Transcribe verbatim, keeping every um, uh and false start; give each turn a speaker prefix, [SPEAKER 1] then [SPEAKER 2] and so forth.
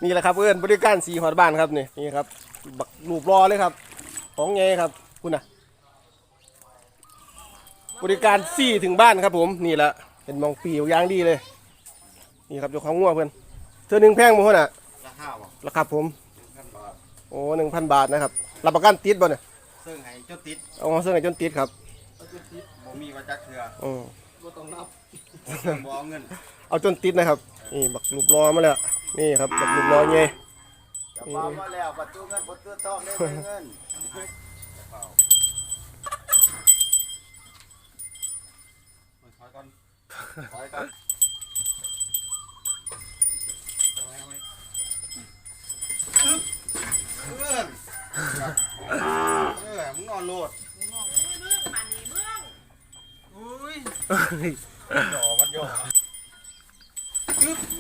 [SPEAKER 1] นี่แหละครับเพื่อนบริการสีหอดบ้านครับนี่นี่ครับบักรูปรอเลยครับของไงครับคุณน่ะบริการซี่ถึงบ้านครับผมนี่แหละเป็นมองปีอย่างดีเลยนี่ครับเจ้าของงัวเพื่อนเธอหนึ่งแพงมั้งน่ะราคาบ่ราคาผมโอ้หนึ่งพันบาทนะครับรับประกันติดบ่เนี่ย
[SPEAKER 2] เสื่องให้จนติด
[SPEAKER 1] เอาเสื่องให้จนติดครับ
[SPEAKER 2] บ่มีว่าจักเถื่อ
[SPEAKER 1] อือ
[SPEAKER 2] บ่ต้องนับบ่เอาเงิน
[SPEAKER 1] เอาจนติดนะครับนี่บักรูปรอมาแล้วนี่ครับบักรูปรอไง
[SPEAKER 2] จะพามาแล้วประตูเงินประตูทองได้เงินถอยก่อนถอยก่อนเอื้อนเออมึงนอนโลดอุ้ยหย่อมันหย่อ